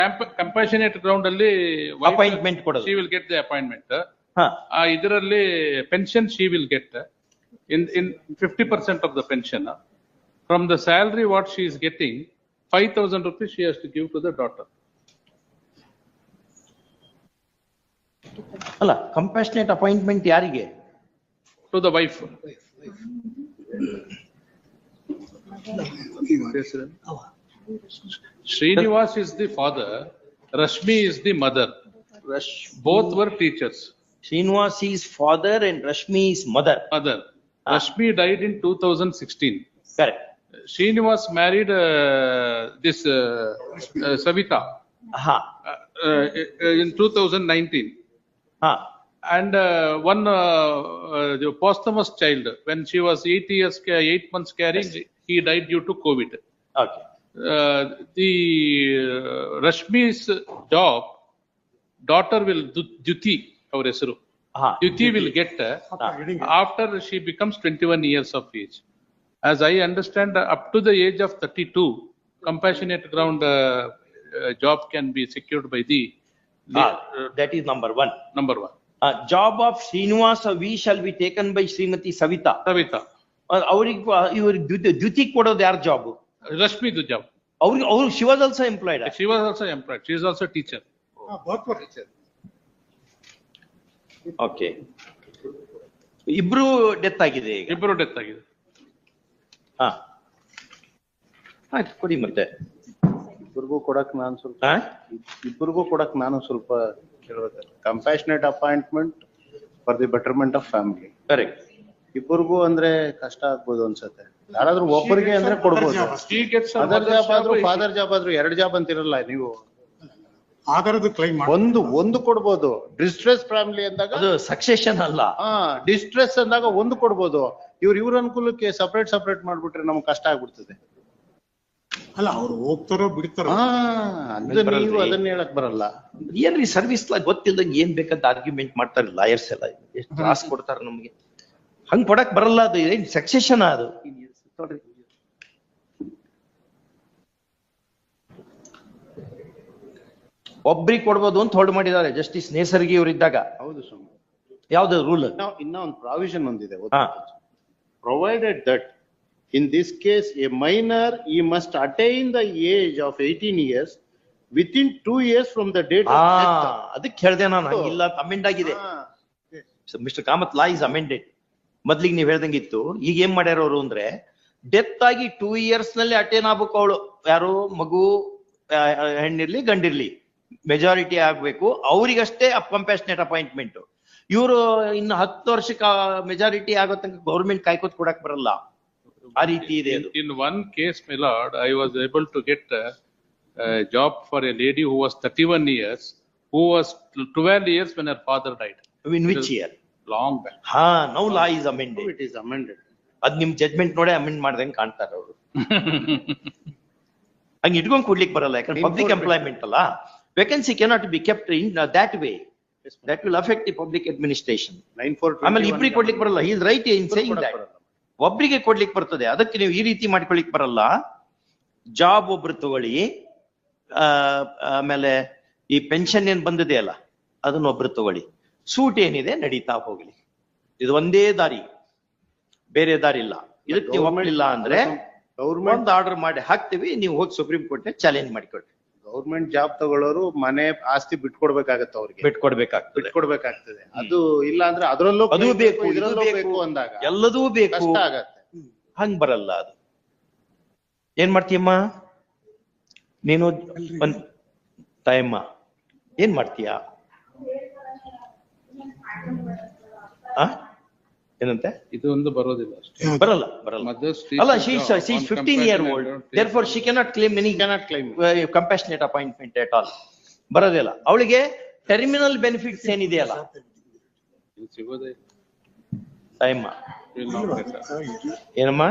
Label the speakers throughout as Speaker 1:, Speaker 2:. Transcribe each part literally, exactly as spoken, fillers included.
Speaker 1: Compassionate ground ಅಲ್ಲಿ
Speaker 2: appointment ಕೊಡೋದು.
Speaker 1: she will get the appointment.
Speaker 2: ಹಾ
Speaker 1: ಆ ಇದರಲ್ಲಿ pension she will get in in fifty percent of the pension. From the salary what she is getting, five thousand rupees she has to give to the daughter.
Speaker 2: ಅಲ್ಲ compassionate appointment ಯಾರಿಗೆ?
Speaker 1: To the wife. Srinivas is the father, Rashmi is the mother.
Speaker 2: Rash
Speaker 1: Both were teachers.
Speaker 2: Srinivas is father and Rashmi is mother.
Speaker 1: Mother. Rashmi died in two thousand sixteen.
Speaker 2: Correct.
Speaker 1: Srinivas married uh, this uh, uh, Savita
Speaker 2: Ha
Speaker 1: uh, uh, in two thousand nineteen.
Speaker 2: ha
Speaker 1: And uh, one uh, uh, the posthumous child, when she was eight years, ca- eight months carrying, he died due to COVID.
Speaker 2: okay.
Speaker 1: Uh, the uh, Rashmi's job, daughter will Du- Duti, our Esru.
Speaker 2: Ha
Speaker 1: Duti will get uh, after she becomes twenty-one years of age. As I understand, uh, up to the age of thirty-two, compassionate ground uh, uh, job can be secured by the
Speaker 2: ha that is number one.
Speaker 1: number one.
Speaker 2: Uh, job of Srinivas we shall be taken by Srimati Savita.
Speaker 1: Savita.
Speaker 2: ಅವ್ರಿಗೆ ಇವ್ರಿಗೆ ದ್ಯುತಿ ಕೊಡೋದು ಯಾರ job?
Speaker 1: Rashmi the job.
Speaker 2: ಅವ್ರಿಗೆ ಅವ್ರು she was also employed.
Speaker 1: She was also employed. She is also teacher.
Speaker 3: both were teachers.
Speaker 2: Okay ಇಬ್ರು death ಆಗಿದೆ ಈಗ.
Speaker 1: ಇಬ್ಬರು ಡೆತ್ ಆಗಿದೆ.
Speaker 2: ಹಾ ಆಯ್ತು ಕೊಡಿ ಮತ್ತೆ.
Speaker 4: ಇಬ್ಬರಿಗೂ ಕೊಡಕ್ ನಾನು ಸ್ವಲ್ಪ
Speaker 2: ಹಾ
Speaker 4: ಇಬ್ಬರಿಗೂ ಕೊಡಕ್ ನಾನು ಸ್ವಲ್ಪ ಕೇಳ್ಬೇಕು. Compassionate appointment for the betterment of family.
Speaker 2: Correct.
Speaker 4: ಇಬ್ಬರಿಗೂ ಅಂದ್ರೆ ಕಷ್ಟ ಆಗ್ಬೋದು ಅನ್ಸತ್ತೆ. ಯಾರಾದ್ರೂ ಒಬ್ಬರಿಗೆ ಅಂದ್ರೆ ಕೊಡ್ಬೋದು.
Speaker 1: She gets her
Speaker 4: other
Speaker 1: mother's
Speaker 4: job ಆದ್ರೂ
Speaker 1: job.
Speaker 4: ಫಾದರ್ ಜಾಬ್ ಆದ್ರೂ ಎರಡ್ ಜಾಬ್ ಅಂತಿರಲ್ಲ ನೀವು.
Speaker 3: ಆಧಾರದ ಕ್ಲೈಮ್
Speaker 4: ಒಂದು ಒಂದು ಕೊಡ್ಬೋದು. ಡಿಸ್ಟ್ರೆಸ್ ಫ್ಯಾಮಿಲಿ ಅಂದಾಗ
Speaker 2: ಅದು ಸಕ್ಸೆಷನ್ ಅಲ್ಲ.
Speaker 4: ಹಾ ಡಿಸ್ಟ್ರೆಸ್ ಅಂದಾಗ ಒಂದು ಕೊಡ್ಬೋದು. ಇವ್ರ ಇವ್ರ ಅನುಕೂಲಕ್ಕೆ ಸಪರೇಟ್ ಸಪರೇಟ್ ಮಾಡ್ಬಿಟ್ರೆ ನಮ್ಗೆ ಕಷ್ಟ ಆಗ್ಬಿಡ್ತದೆ.
Speaker 3: ಅಲ್ಲ ಅವ್ರು ಹೋಗ್ತಾರೋ ಬಿಡ್ತಾರೋ.
Speaker 4: ಹಾ ಅದು ನೀವು ಅದನ್ನ ಹೇಳಕ್ ಬರಲ್ಲ.
Speaker 2: ಏನ್ರಿ ಸರ್ವಿಸ್ ಲಾ ಗೊತ್ತಿಲ್ದಂಗೆ ಏನ್ ಬೇಕಂತ ಆರ್ಗ್ಯುಮೆಂಟ್ ಮಾಡ್ತಾರೆ ಲಾಯರ್ಸ್ ಎಲ್ಲ. ಎಷ್ಟು ಕ್ಲಾಸ್ ಕೊಡ್ತಾರೆ ನಮ್ಗೆ. ಹಂಗ್ ಕೊಡಕ್ ಬರಲ್ಲ. ಅದು ಏನ್ ಸಕ್ಸೆಷನ್ ಅದು. ಒಬ್ರಿಗೆ ಕೊಡ್ಬೋದು ಅಂತ ಹೊರಡು ಮಾಡಿದ್ದಾರೆ ಜಸ್ಟಿಸ್ ನೇಸರ್ಗಿ ಅವರಿದ್ದಾಗ.
Speaker 4: ಹೌದು ಸ್ವಾಮಿ.
Speaker 2: ಯಾವ್ದು ರೂಲ್?
Speaker 4: ಇನ್ನ ಒಂದು ಪ್ರಾವಿಷನ್ ಒಂದಿದೆ.
Speaker 2: ಹಾ
Speaker 4: Provided that in this case a minor he must attain the age of eighteen years within two years from the date of
Speaker 2: ಆ
Speaker 4: death.
Speaker 2: ಅದಕ್ಕೆ ಹೇಳ್ದೆ ನಾನು. ಹಂಗಿಲ್ಲ, ಅಮೆಂಡ್ ಆಗಿದೆ. Mister Kamath, law is amended. ಮೊದ್ಲಿಗೆ ನೀವ್ ಹೇಳ್ದಂಗಿತ್ತು. ಈಗ ಏನ್ ಮಾಡ್ಯಾರ ಅವರು ಅಂದ್ರೆ, ಡೆತ್ ಆಗಿ ಟೂ ಇಯರ್ಸ್ ನಲ್ಲಿ ಅಟೇನ್ ಆಗ್ಬೇಕು ಅವಳು. ಯಾರು ಮಗು ಹೆಣ್ಣಿರ್ಲಿ ಗಂಡಿರ್ಲಿ ಮೆಜಾರಿಟಿ ಆಗ್ಬೇಕು. ಅವ್ರಿಗಷ್ಟೇ ಕಂಪ್ಯಾಷನೇಟ್ ಅಪಾಯಿಂಟ್ಮೆಂಟ್. ಇವರು ಇನ್ನು ಹತ್ತು ವರ್ಷಕ್ಕೆ ಮೆಜಾರಿಟಿ ಆಗೋ ತನಕ ಗೌರ್ಮೆಂಟ್ ಕಾಯ್ಕೋತ್ ಕೊಡಕ್ ಬರಲ್ಲ. ಆ ರೀತಿ ಇದೆ ಅದು.
Speaker 1: In one case, my lord, I was able to get a, a job for a lady who was thirty-one years, who was twelve years when her father died.
Speaker 2: In which year?
Speaker 1: Long back.
Speaker 2: ಹಾ now law is amended.
Speaker 4: It is amended.
Speaker 2: ಅದ್ ನಿಮ್ judgment ನೋಡೇ amend ಮಾಡ್ದಂಗೆ ಕಾಣ್ತಾರ ಅವರು. ಹಂಗ ಇಟ್ಕೊಂಡ್ ಕೊಡ್ಲಿಕ್ಕೆ ಬರಲ್ಲ. ಯಾಕಂದ್ರೆ ಪಬ್ಲಿಕ್ ಎಂಪ್ಲಾಯ್ಮೆಂಟ್ ಅಲ್ಲ. Vacancy cannot be kept in that way. That will affect the public administration.
Speaker 4: nine four
Speaker 2: ಆಮೇಲೆ ಇಬ್ರಿಗೆ ಕೊಡ್ಲಿಕ್ಕೆ ಬರಲ್ಲ. He is right in saying that. ಒಬ್ರಿಗೆ ಕೊಡ್ಲಿಕ್ಕೆ ಬರ್ತದೆ. ಅದಕ್ಕೆ ನೀವು ಈ ರೀತಿ ಮಾಡ್ಕೊಳಿಕ್ ಬರಲ್ಲ. ಜಾಬ್ ಒಬ್ರು ತಗೊಳ್ಳಿ, ಆಮೇಲೆ ಈ ಪೆನ್ಷನ್ ಏನ್ ಬಂದಿದೆ ಅಲ್ಲ ಅದನ್ನ ಒಬ್ರು ತಗೊಳ್ಳಿ. ಸೂಟ್ ಏನಿದೆ ನಡೀತಾ ಹೋಗ್ಲಿ. ಇದು ಒಂದೇ ದಾರಿ, ಬೇರೆ ದಾರಿ ಇಲ್ಲ. ಇದಕ್ಕೆ ನೀವು ಒಮ್ಮಲಿಲ್ಲ ಅಂದ್ರೆ ಗೌರ್ಮೆಂಟ್ ಆರ್ಡರ್ ಮಾಡಿ ಹಾಕ್ತಿವಿ. ನೀವು ಹೋಗಿ ಸುಪ್ರೀಂ ಕೋರ್ಟ್ ಚಾಲೆಂಜ್ ಮಾಡಿಕೊಡ್ರಿ.
Speaker 4: ಗೌರ್ಮೆಂಟ್ ಜಾಬ್ ತಗೊಳ್ಳೋರು ಮನೆ ಆಸ್ತಿ ಬಿಟ್ಕೊಡ್ಬೇಕಾಗತ್ತೆ. ಅವ್ರಿಗೆ
Speaker 2: ಬಿಟ್ಕೊಡ್ಬೇಕಾಗ್ತದೆ.
Speaker 4: ಬಿಟ್ಕೊಡ್ಬೇಕಾಗ್ತದೆ. ಅದು ಇಲ್ಲ ಅಂದ್ರೆ ಅದ್ರಲ್ಲೂ
Speaker 2: ಅದು ಬೇಕು,
Speaker 4: ಇದ್ರಲ್ಲೂ ಬೇಕು ಅಂದಾಗ
Speaker 2: ಎಲ್ಲದೂ ಬೇಕು.
Speaker 4: ಕಷ್ಟ ಆಗತ್ತೆ.
Speaker 2: ಹಂಗ್ ಬರಲ್ಲ ಅದು. ಏನ್ ಮಾಡ್ತೀಯಮ್ಮ ನೀನು? ಒಂದ್ ತಾಯಮ್ಮ ಏನ್ ಮಾಡ್ತೀಯ? ಆ ಏನಂತೆ?
Speaker 1: ಇದು ಒಂದು ಬರೋದಿಲ್ಲ ಅಷ್ಟೇ.
Speaker 2: ಬರಲ್ಲ ಬರಲ್ಲ ಅಲ್ಲ. She is fifteen year old, therefore she cannot claim any
Speaker 4: cannot claim
Speaker 2: compassionate appointment at all. ಬರೋದಿಲ್ಲ. ಅವಳಿಗೆ ಟರ್ಮಿನಲ್ ಬೆನಿಫಿಟ್ಸ್ ಏನಿದೆಯಲ್ಲ
Speaker 1: ಸಿಗೋದೇ
Speaker 2: ತಾಯಮ್ಮ. ಏನಮ್ಮ?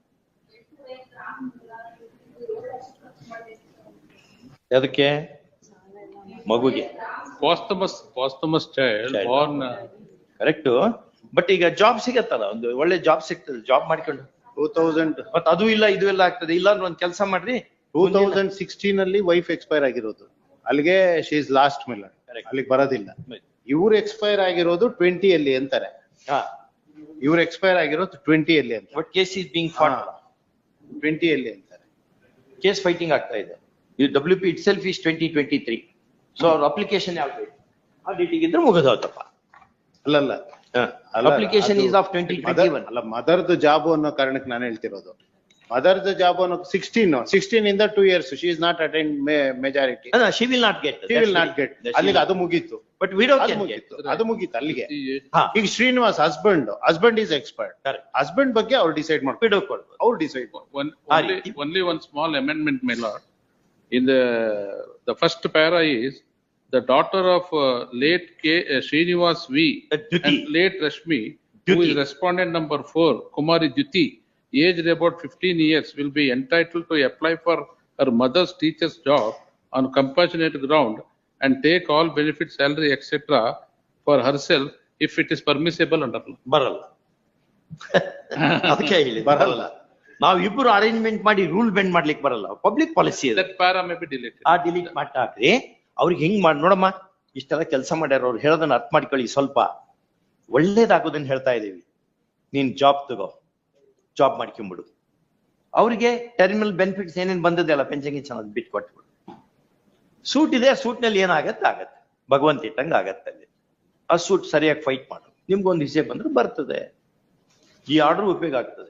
Speaker 2: ಅದಕ್ಕೆ ಮಗುಗೆ
Speaker 1: posthumous posthumous child born.
Speaker 2: Correct. But ಈಗ ಜಾಬ್ ಸಿಗತ್ತಲ್ಲ, ಒಂದು ಒಳ್ಳೆ ಜಾಬ್ ಸಿಗ್ತದೆ. ಜಾಬ್ ಮಾಡ್ಕೊಂಡು
Speaker 4: ಟೂ ತೌಸಂಡ್
Speaker 2: ಮತ್ ಅದು ಇಲ್ಲ ಇದು ಎಲ್ಲ ಆಗ್ತದೆ. ಇಲ್ಲ ಅಂದ್ರೆ ಒಂದ್ ಕೆಲಸ ಮಾಡ್ರಿ.
Speaker 4: ಟೂ ತೌಸಂಡ್ ಸಿಕ್ಸ್ಟೀನ್ ಅಲ್ಲಿ ವೈಫ್ ಎಕ್ಸ್ಪೈರ್ ಆಗಿರೋದು. ಅಲ್ಲಿಗೆ she is lost minor,
Speaker 2: Correct.
Speaker 4: ಅಲ್ಲಿಗೆ ಬರೋದಿಲ್ಲ.
Speaker 2: Right.
Speaker 4: ಇವ್ರು ಎಕ್ಸ್ಪೈರ್ ಆಗಿರೋದು ಟ್ವೆಂಟಿ ಅಲ್ಲಿ ಅಂತಾರೆ,
Speaker 2: ಹಾ,
Speaker 4: ಇವ್ರು ಎಕ್ಸ್ಪೈರ್ ಆಗಿರೋದು ಟ್ವೆಂಟಿ ಅಲ್ಲಿ ಅಂತ,
Speaker 2: but case is being fought,
Speaker 4: twenty ಅಲ್ಲಿ ಅಂತಾರೆ.
Speaker 2: ಕೇಸ್ ಫೈಟಿಂಗ್ ಆಗ್ತಾ ಇದೆ. ಇದು W P itself is twenty twenty three, so ಅವ್ರ ಅಪ್ಲಿಕೇಶನ್ ಯಾವ ಡೇಟ್ ಆ ಡೇಟಿಗೆ ಇದ್ರೆ ಮುಗಿದೋತಪ್ಪ.
Speaker 4: ಅಲ್ಲಲ್ಲ
Speaker 2: application is of twenty twenty one.
Speaker 4: ಅಲ್ಲ, ಮದರ್ದ್ ಜಾಬ್ ಅನ್ನೋ ಕಾರಣಕ್ಕೆ ನಾನು ಹೇಳ್ತಿರೋದು. ಮದರ್ದ್ ಜಾಬ್ ಅನ್ನೋ ಸಿಕ್ಸ್ಟೀನ್ ಸಿಕ್ಸ್ಟೀನ್ ಇಂದ two years she is not attend majority,
Speaker 2: she will not get,
Speaker 4: she will not get. ಅಲ್ಲಿಗೆ ಅದು ಮುಗೀತು,
Speaker 2: ಬಟ್ ವಿಡೋ
Speaker 4: ಅದು
Speaker 2: ಕ್ಯಾನ್ ಗೆಟ್.
Speaker 4: ಮುಗೀತು, ಅದು ಮುಗೀತು ಅಲ್ಲಿಗೆ.
Speaker 2: ಹಾ,
Speaker 4: ಈಗ Srinivas husband husband is expert,
Speaker 2: Correct.
Speaker 4: Husband ಬಗ್ಗೆ ಅವ್ರು ಡಿಸೈಡ್ ಮಾಡ್ಕೊಂಡು
Speaker 2: ವಿಡೋ ಕೊಡ್ಬೋದು.
Speaker 4: ಅವ್ರು decide
Speaker 1: One,
Speaker 2: Ah,
Speaker 1: only,
Speaker 2: it-
Speaker 1: only one small amendment, my lord. In the, the first para is, the daughter of uh, late K. uh, Srinivas V.
Speaker 2: Uh, Dyuti.
Speaker 1: and late Rashmi, who
Speaker 2: Dyuti.
Speaker 1: is respondent number four, Kumari Dyuti, aged about fifteen years, will be entitled to apply for her mother's teacher's job on compassionate ground and take all benefits, salary, et cetera for herself if it is permissible under law.
Speaker 2: ಬರಲ್ಲ. ಅದಕ್ಕೆ ಹೇಳಿ
Speaker 4: ಬರಲ್ಲ.
Speaker 2: ನಾವು ಇಬ್ರು arrangement ಮಾಡಿ rule bend ಮಾಡ್ಲಿಕ್ಕೆ ಬರಲ್ಲ, public policy ಇದೆ.
Speaker 1: That para may be deleted.
Speaker 2: ಆ ಡಿಲೀಟ್ ಮಾಡ್ತಾಕ್ರಿ. ಅವ್ರಿಗೆ ಹಿಂಗ್ ಮಾಡಿ ನೋಡಮ್ಮ, ಇಷ್ಟೆಲ್ಲ ಕೆಲಸ ಮಾಡ್ಯಾರ, ಅವ್ರು ಹೇಳೋದನ್ನ ಅರ್ಥ ಮಾಡ್ಕೊಳ್ಳಿ, ಸ್ವಲ್ಪ ಒಳ್ಳೇದಾಗೋದನ್ನ ಹೇಳ್ತಾ ಇದೀವಿ. ನೀನ್ ಜಾಬ್ ತಗೋ, ಜಾಬ್ ಮಾಡ್ಕೊಂಬಿಡು. ಅವ್ರಿಗೆ ಟರ್ಮಿನಲ್ ಬೆನಿಫಿಟ್ಸ್ ಏನೇನ್ ಬಂದದಲ್ಲ, ಪೆನ್ಷನ್ ಗಿನ್ಷನ್ ಅದ್ ಬಿಟ್ಟು ಕೊಟ್ಬಿಡು. ಸೂಟ್ ಇದೆ, ಸೂಟ್ ನಲ್ಲಿ ಏನಾಗತ್ತೆ ಆಗತ್ತೆ, ಭಗವಂತ ಇಟ್ಟಂಗ ಆಗತ್ತೆ. ಅಲ್ಲಿ ಆ ಸೂಟ್ ಸರಿಯಾಗಿ ಫೈಟ್ ಮಾಡು, ನಿಮ್ಗೊಂದು ವಿಷಯ ಬಂದ್ರೆ ಬರ್ತದೆ, ಈ ಆರ್ಡರ್ ಉಪಯೋಗ ಆಗ್ತದೆ.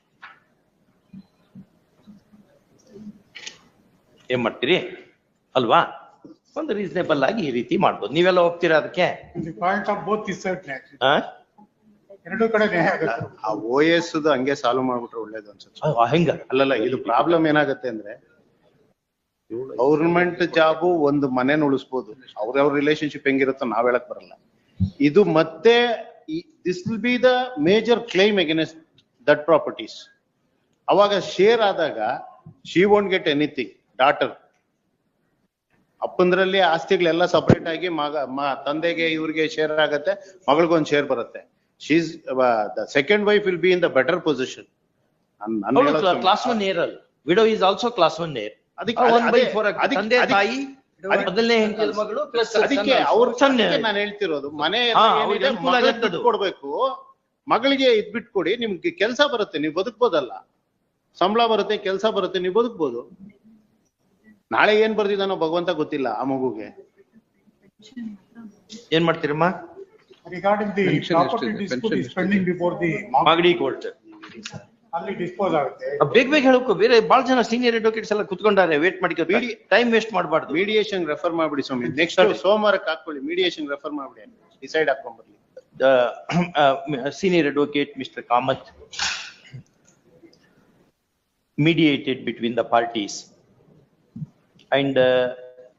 Speaker 2: ಏನ್ ಮಾಡ್ತೀರಿ ಅಲ್ವಾ? ಒಂದು ರೀಸನೇಬಲ್ ಆಗಿ ಈ ರೀತಿ ಮಾಡ್ಬೋದು. ನೀವೆಲ್ಲ ಹೋಗ್ತೀರಾ ಅದಕ್ಕೆ?
Speaker 3: ಪಾಯಿಂಟ್ ಆಫ್ ಬೋತ್ ಇಸ್
Speaker 2: ಆ?
Speaker 3: ಎರಡು ಕಡೆ ನ್ಯಾಯ ಆಗುತ್ತೆ.
Speaker 4: ಆ ಓ ಎಸ್ ಹಂಗೆ ಸಾಲ್ವ್ ಮಾಡ್ಬಿಟ್ರೆ ಒಳ್ಳೇದು ಅನ್ಸುತ್ತೆ.
Speaker 2: ಆ, ಹೆಂಗ?
Speaker 4: ಅಲ್ಲಲ್ಲ, ಇದು ಪ್ರಾಬ್ಲಮ್ ಏನಾಗತ್ತೆ ಅಂದ್ರೆ, ಗೌರ್ಮೆಂಟ್ ಜಾಬು ಒಂದು ಮನೇನ ಉಳಿಸ್ಬೋದು, ಅವ್ರವ್ರ ರಿಲೇಶನ್ಶಿಪ್ ಹೆಂಗಿರುತ್ತೋ ನಾವ್ ಹೇಳಕ್ ಬರಲ್ಲ. ಇದು ಮತ್ತೆ this will be the major claim against that properties. ಅವಾಗ ಶೇರ್ ಆದಾಗ she won't get anything. Daughter ಅಪ್ಪಂದ್ರಲ್ಲಿ ಆಸ್ತಿಗಳೆಲ್ಲ ಸಪರೇಟ್ ಆಗಿ ಮಗ ಮ- ತಂದೆಗೆ ಇವ್ರಿಗೆ ಶೇರ್ ಆಗತ್ತೆ, ಮಗಳಿಗೊಂದು ಶೇರ್ ಬರುತ್ತೆ. She's the second wife will be in the better position.
Speaker 2: Class one heir ಅಲ್ಲ, widow is also class one heir.
Speaker 4: ಅದಕ್ಕೆ
Speaker 2: ಒನ್ ಬೈ ಫೋರ್
Speaker 4: ಅದಕ್ಕೆ-
Speaker 2: ತಂದೆ
Speaker 4: ಅದಕ್ಕೆ-
Speaker 2: ತಾಯಿ ಮೊದಲನೇ ಹೆಂಡತಿ ಮಗಳು ಪ್ಲಸ್
Speaker 4: ಅದಕ್ಕೆ ಅವ್ರ ನಾನು ಹೇಳ್ತಿರೋದು, ಮನೆ
Speaker 2: ಹಾ, ಅವ್ರಿಗೆ ಅನುಕೂಲ ಆಗತ್ತೆ ಅದು.
Speaker 4: ಕೊಡ್ಬೇಕು, ಮಗಳಿಗೆ ಇದ್ ಬಿಟ್ಕೊಡಿ, ನಿಮ್ಗೆ ಕೆಲ್ಸ ಬರುತ್ತೆ, ನೀವು ಬದುಕ್ಬೋದಲ್ಲ. ಸಂಬಳ ಬರುತ್ತೆ, ಕೆಲ್ಸ ಬರುತ್ತೆ, ನೀವು ಬದುಕ್ಬೋದು. ನಾಳೆ ಏನ್ ಬರ್ದಿದಾನೋ ಭಗವಂತ ಗೊತ್ತಿಲ್ಲ ಆ ಮಗುಗೆ.
Speaker 2: ಏನ್ ಮಾಡ್ತೀರಮ್ಮ?
Speaker 3: ರಿಗಾರ್ಡಿಂಗ್ ದಿ
Speaker 1: Pension
Speaker 3: ಪ್ರಾಪರ್ಟಿ
Speaker 1: ಎಷ್ಟಿದೆ?
Speaker 3: Dispute
Speaker 1: Pension
Speaker 3: is pending before the
Speaker 2: Magadi court.
Speaker 3: ಅಲ್ಲಿ ಡಿಸ್ಪೋಸ್ ಆಗುತ್ತೆ.
Speaker 2: ಬೇಗ ಬೇಗ ಹೇಳಕ್ಕೂ, ಬೇರೆ ಬಹಳ ಜನ ಸೀನಿಯರ್ ಅಡ್ವೊಕೇಟ್ಸ್ ಎಲ್ಲ ಕುತ್ಕೊಂಡಾರೆ, ವೇಟ್ ಮಾಡಿ,
Speaker 4: ಬಿಡಿ.
Speaker 2: ಟೈಮ್ ವೇಸ್ಟ್ ಮಾಡಬಾರ್ದು.
Speaker 4: ಮೀಡಿಯೇಷನ್ ರೆಫರ್ ಮಾಡ್ಬಿಡಿ ಸ್ವಾಮಿ, ನೆಕ್ಸ್ಟ್ ಸೋಮವಾರಕ್ಕೆ ಹಾಕೊಳ್ಳಿ, ಮೀಡಿಯೇಷನ್ ರೆಫರ್ ಮಾಡ್ಬಿಡಿ, ಡಿಸೈಡ್ ಹಾಕೊಂಡ್ಬರ್ಲಿ.
Speaker 2: The uh, senior advocate, Mister Kamath, mediated between the parties, and uh,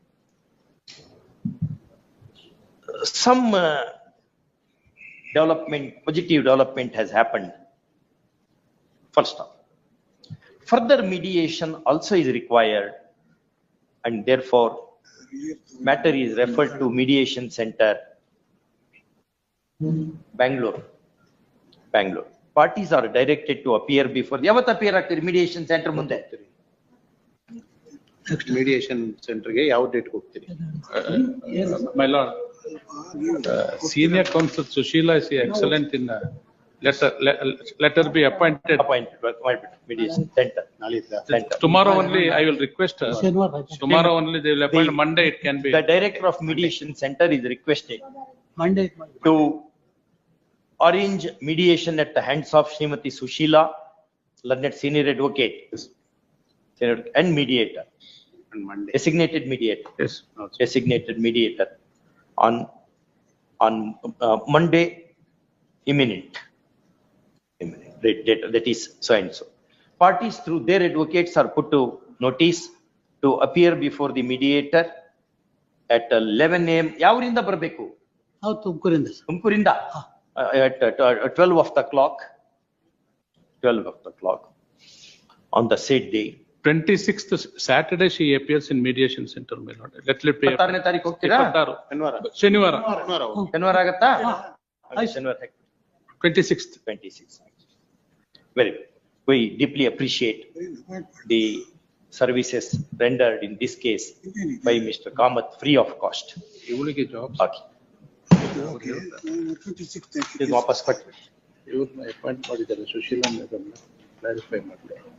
Speaker 2: some uh, development, positive development has happened. First off, further mediation also is required, and therefore matter is referred to mediation center, Bangalore, Bangalore. Parties are directed to appear before, ಯಾವತ್ತು appear ಆಗ್ತೀರಿ mediation center ಮುಂದೆ?
Speaker 4: Mediation ಸೆಂಟರ್ಗೆ ಯಾವ date ಹೋಗ್ತೀರಿ?
Speaker 1: My lord, uh, senior counsel Sushila is excellent in, uh, let her, let, let her be appointed.
Speaker 2: Appointed, appointed mediation center.
Speaker 4: ನಾಳಿದ್ದ
Speaker 2: Center.
Speaker 1: Tomorrow only I will request her. Tomorrow only they will appoint,
Speaker 2: The-
Speaker 1: Monday it can be.
Speaker 2: The director of mediation center is requested
Speaker 3: Monday.
Speaker 2: to arrange mediation at the hands of Srimati Sushila, learned senior advocate, senior- and mediator,
Speaker 4: Monday.
Speaker 2: designated mediator.
Speaker 1: Yes.
Speaker 2: Designated mediator on, on uh, Monday imminent. Imminent, date- date, that is so and so. Parties through their advocates are put to notice to appear before the mediator at eleven A M. ಯಾವರಿಂದ ಬರಬೇಕು?
Speaker 5: ಹೌದು, ತುಮಕೂರಿಂದ ಸರ್.
Speaker 2: ತುಮಕೂರಿಂದ at uh, twelve of the clock, twelve of the clock on the said day.
Speaker 1: Twenty-sixth Saturday she appears in mediation center, my lord. Let it be.
Speaker 2: ಇಪ್ಪತ್ತಾರನೇ ತಾರೀಕು ಹೋಗ್ತೀರಾ?
Speaker 1: ಇಪ್ಪತ್ತಾರು.
Speaker 4: ಶನಿವಾರ
Speaker 1: ಶನಿವಾರ.
Speaker 4: ಶನಿವಾರ ಹೋಗಿ.
Speaker 2: ಶನಿವಾರ ಆಗತ್ತಾ?
Speaker 5: ಆಯ್ತು.
Speaker 2: ಶನಿವಾರ
Speaker 1: Twenty-sixth.
Speaker 2: twenty-six. Very good. We deeply appreciate the services rendered in this case by Mister Kamath free of cost.
Speaker 1: ಇವಳಿಗೆ ಜಾಬ್
Speaker 2: ಹಾಕಿ ಇದು ವಾಪಸ್ ಕಟ್ಟಿ.
Speaker 1: ಇವ್ರನ್ನ ಅಪಾಯಿಂಟ್ ಮಾಡಿದ್ದಾರೆ ಸುಶೀಲಾ ಮೇಡಮ್ ಕ್ಲಾರಿಫೈ ಮಾಡಿ.